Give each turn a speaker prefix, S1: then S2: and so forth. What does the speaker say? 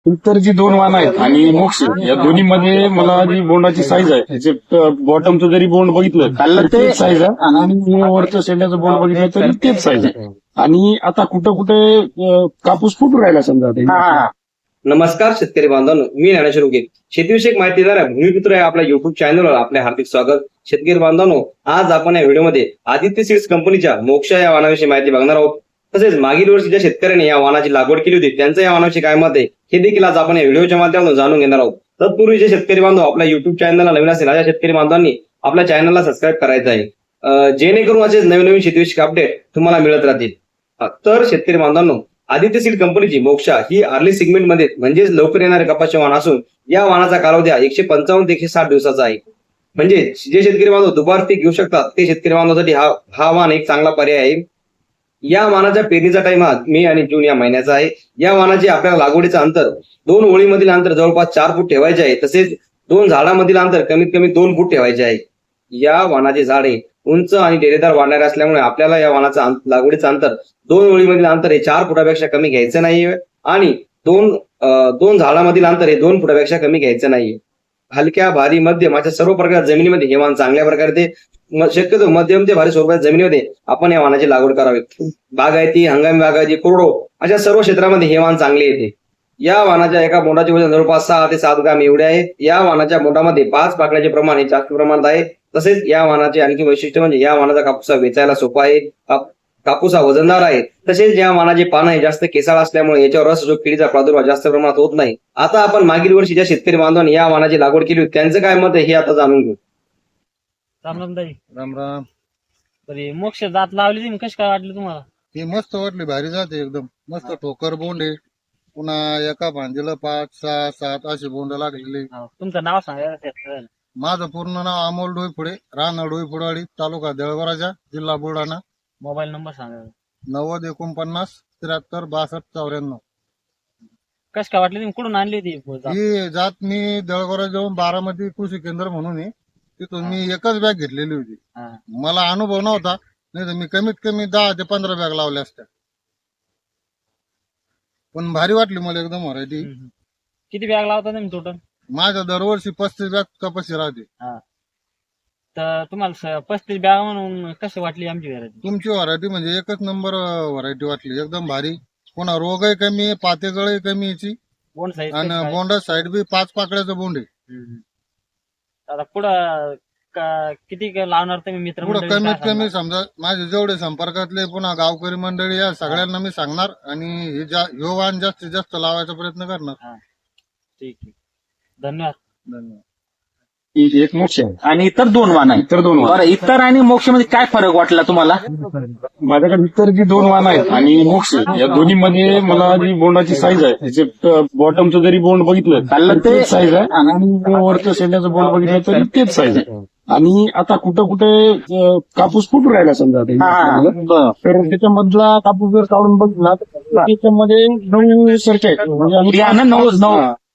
S1: इतर जी दोन वाण आहेत आणि मोक्ष या दोन्ही मध्ये मला जी बोंडाची साईज आहे त्याचे बॉटमचं जरी बोंड बघितलं तर तेच साईज आहे आणि वरचं शेंड्याचं बोंड बघितलं तरी तेच साईज आहे. आणि आता कुठं कुठे कापूस फुटून राहिला समजा ते.
S2: नमस्कार शेतकरी बांधवांनो, मी ज्ञानेश्वर उगे, शेतीविषयक माहिती देणाऱ्या भूमिपुत्र या आपल्या युट्यूब चॅनलवर आपले हार्दिक स्वागत. शेतकरी बांधवांनो, आज आपण या व्हिडिओमध्ये आदित्य सीड्स कंपनीच्या मोक्ष या वाणाविषयी माहिती बघणार आहोत. तसेच मागील वर्षी ज्या शेतकऱ्यांनी या वाणाची लागवड केली होती त्यांचं या वाणाविषयी काय मत आहे हे देखील आज आपण या व्हिडिओच्या माध्यमातून जाणून घेणार आहोत. तत्पूर्वी जे शेतकरी बांधव आपल्या युट्यूब चॅनलला नवीन असेल अशा शेतकरी बांधवांनी आपल्या चॅनलला सबस्क्राईब करायचं आहे, जेणेकरून असे नवीन नवीन शेतीविषयक अपडेट तुम्हाला मिळत राहतील. तर शेतकरी बांधवांनो, आदित्य सीड कंपनीची मोक्षा ही अर्ली सेगमेंट मध्ये म्हणजेच लवकर येणारे कपासचे वाण असून या वाणाचा कालावधी 155 ते 160 दिवसाचा आहे. म्हणजे जे शेतकरी बांधव दुबार पीक घेऊ शकतात ते शेतकरी बांधवांसाठी हा वाण एक चांगला पर्याय आहे. या वाणाच्या पेरणीचा टाइम हा मे आणि जून या महिन्याचा आहे. या वाणाचे आपल्याला लागवडीचं अंतर 2 ओळीमधील अंतर जवळपास 4 फूट ठेवायचे आहे. तसेच 2 झाडामधील अंतर कमीत कमी 2 फूट ठेवायचे आहे. या वाणाचे झाडे उंच आणि डेरेदार वाढणारे असल्यामुळे आपल्याला या वाणाचं लागवडीचं अंतर 2 ओळीमधील अंतर हे 4 फुटापेक्षा कमी घ्यायचं नाहीये आणि दोन झाडामधील अंतर हे 2 फुटापेक्षा कमी घ्यायचं नाहीये. हलक्या, भारी, मध्यम अशा सर्व प्रकारच्या जमिनीमध्ये हे वाण चांगल्या प्रकारे ते शक्यतो मध्यम ते भारी स्वरूपाच्या जमिनीमध्ये आपण या वाणाची लागवड करावी. बागायती, हंगामी बागायती, कोरडो अशा सर्व क्षेत्रामध्ये हे वाण चांगले येते. या वाणाच्या एका बोंडाचे वजन जवळपास 6 ते 7 ग्राम एवढे आहे. या वाणाच्या बोंडामध्ये 5 पाकळ्याचे प्रमाण हे जास्त प्रमाणात आहे. तसेच या वाणाचे आणखी वैशिष्ट्य म्हणजे या वाणाचा कापूस वेचायला सोपा आहे, कापूस हा वजनदार आहे. तसेच या वाणाचे पानं हे जास्त केसाळ असल्यामुळे याच्यावर रस जो किडीचा प्रादुर्भाव जास्त प्रमाणात होत नाही. आता आपण मागील वर्षी ज्या शेतकरी बांधवांनी या वाणाची लागवड केली होती त्यांचं काय मत आहे हे आता जाणून घेऊ.
S3: राम राम ताई.
S4: राम राम.
S3: बरी मोक्ष जात लावली तुम्ही, कशी काय वाटली तुम्हाला?
S4: ही मस्त वाटली, भारी जाते एकदम मस्त. ठोकर बोंड आहे, पुन्हा एका भांजीला 5, 6, 7 असे बोंड लागलेले.
S3: तुमचं नाव सांगा.
S4: माझं पूर्ण नाव अमोल डोईफुडे, राहणार डोईफुडवाडी, तालुका देवळगराजा, जिल्हा बुलढाणा.
S3: मोबाईल नंबर सांगा.
S4: 90 49 73 62 94.
S3: कशी काय वाटली तुम्ही, कुठून आणली होती
S4: ही जात मी देवळगरा जाऊन बारामती कृषी केंद्र म्हणून आहे, तिथून मी एकच बॅग घेतलेली होती. मला अनुभव नव्हता, नाही तर मी कमीत कमी 10 ते 15 बॅग लावल्या असत्या. पण भारी वाटली मला एकदम व्हरायटी.
S3: किती बॅग लावता तुम्ही टोटल?
S4: माझ्या दरवर्षी 35 बॅग कपाशी राहते.
S3: तर तुम्हाला 35 बॅग म्हणून कशी वाटली आमची व्हरायटी?
S4: तुमची व्हरायटी म्हणजे एकच नंबर व्हरायटी वाटली, एकदम भारी. पुन्हा रोगही कमी आहे, पातेगळही कमी याची,
S3: बोंड साईज
S4: आणि बोंडा साईड बी 5 पाकळ्याचं बोंड आहे.
S3: आता पुढं किती लावणार तुम्ही मित्र?
S4: पुढं कमीत कमी समजा माझे जेवढे संपर्कातले पुन्हा गावकरी मंडळी या सगळ्यांना मी सांगणार आणि हे वाण जास्तीत जास्त लावायचा प्रयत्न करणार.
S3: ठीक आहे, धन्यवाद.
S4: धन्यवाद.
S1: एक मोक्ष आहे
S5: आणि इतर 2 वाण आहे.
S1: इतर 2 वाण.
S5: बरं, इतर आणि मोक्ष मध्ये काय फरक वाटला तुम्हाला?
S1: माझ्याकडे इतर जी 2 वाण आहेत आणि मोक्ष या दोन्ही मध्ये मला जी बोंडाची साईज आहे त्याचे बॉटमचं जरी बोंड बघितलं तर तेच साईज आहे आणि वरचं शेंड्याचं बोंड बघितलं तरी तेच साईज आहे. आणि आता कुठं कुठे कापूस फुटून राहिला समजा ते, तर त्याच्यामधला कापूस जर काढून बघितला तर त्याच्यामध्ये 9 सारखे आहेत. म्हणजे